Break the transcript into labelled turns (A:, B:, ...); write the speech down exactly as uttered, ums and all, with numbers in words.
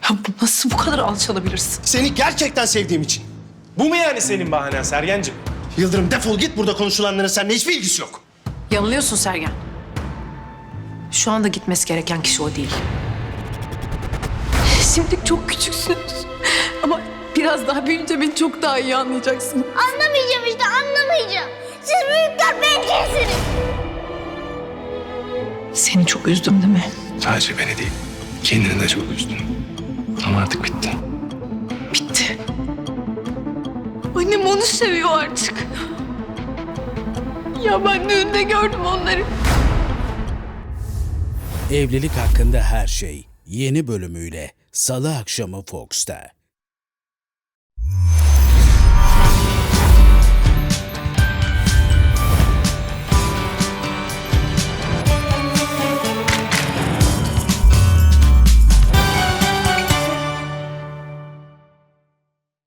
A: Ya bu nasıl bu kadar alçalabilirsin?
B: Seni gerçekten sevdiğim için.
C: Bu mu yani senin bahanen Sergen'cim?
B: Yıldırım defol git, burada konuşulanların seninle hiçbir ilgisi yok.
A: Yanılıyorsun Sergen. Şu anda gitmesi gereken kişi o değil. Şimdi çok küçüksünüz. Ama biraz daha büyüyünce beni çok daha iyi anlayacaksın.
D: Anlamayacağım işte, anlamayacağım. Siz büyükler bencilsiniz.
A: Seni çok üzdüm değil mi?
C: Sadece beni değil, kendini de çok üzdün. Ama artık bitti.
A: Bitti. Annem onu seviyor artık. Ya ben düğünde gördüm onları.
E: Evlilik hakkında her şey yeni bölümüyle Salı akşamı Fox'ta.